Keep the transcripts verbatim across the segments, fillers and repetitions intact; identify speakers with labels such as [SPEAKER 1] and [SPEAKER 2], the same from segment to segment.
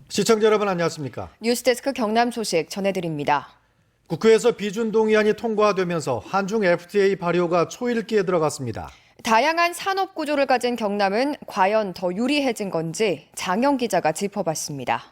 [SPEAKER 1] 시청자 여러분 안녕하십니까?
[SPEAKER 2] 뉴스데스크 경남 소식 전해드립니다.
[SPEAKER 1] 국회에서 비준 동의안이 통과되면서 한중 에프티에이 발효가 초읽기에 들어갔습니다.
[SPEAKER 2] 다양한 산업 구조를 가진 경남은 과연 더 유리해진 건지 장영 기자가 짚어봤습니다.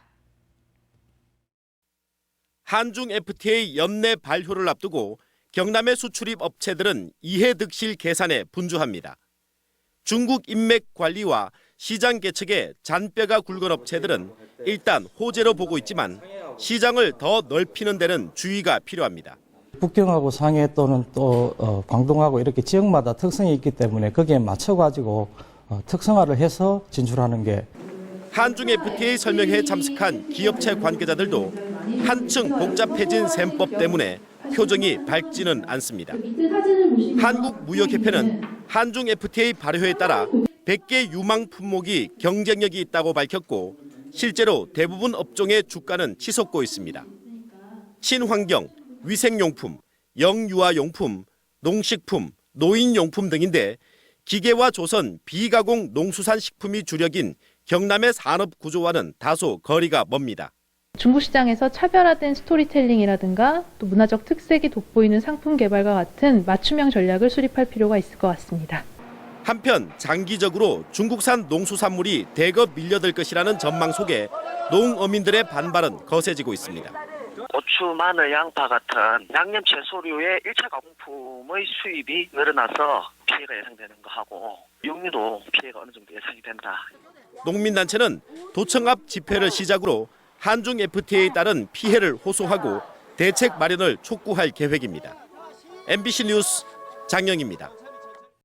[SPEAKER 3] 한중 에프티에이 연내 발효를 앞두고 경남의 수출입 업체들은 이해득실 계산에 분주합니다. 중국 인맥 관리와 시장 개척에 잔뼈가 굵은 업체들은 일단 호재로 보고 있지만 시장을 더 넓히는 데는 주의가 필요합니다.
[SPEAKER 4] 북경하고 상해 또는 또 어, 광동하고 이렇게 지역마다 특성이 있기 때문에 거기에 맞춰가지고 어, 특성화를 해서 진출하는 게.
[SPEAKER 3] 한중 에프티에이 설명회에 참석한 기업체 관계자들도 한층 복잡해진 셈법 때문에 표정이 밝지는 않습니다. 한국무역협회는 한중 에프티에이 발효에 따라 백 개 유망 품목이 경쟁력이 있다고 밝혔고 실제로 대부분 업종의 주가는 치솟고 있습니다. 친환경, 위생용품, 영유아용품, 농식품, 노인용품 등인데 기계와 조선, 비가공 농수산식품이 주력인 경남의 산업 구조와는 다소 거리가 멉니다.
[SPEAKER 5] 중국 시장에서 차별화된 스토리텔링이라든가 또 문화적 특색이 돋보이는 상품 개발과 같은 맞춤형 전략을 수립할 필요가 있을 것 같습니다.
[SPEAKER 3] 한편 장기적으로 중국산 농수산물이 대거 밀려들 것이라는 전망 속에 농어민들의 반발은 거세지고 있습니다.
[SPEAKER 6] 고추, 마늘, 양파 같은 양념 채소류의 일 차 가공품의 수입이 늘어나서 피해가 예상되는 거하고 육류도 피해가 어느 정도 예상이 된다.
[SPEAKER 3] 농민단체는 도청 앞 집회를 시작으로 한중 에프티에이에 따른 피해를 호소하고 대책 마련을 촉구할 계획입니다. 엠비씨 뉴스 장영입니다.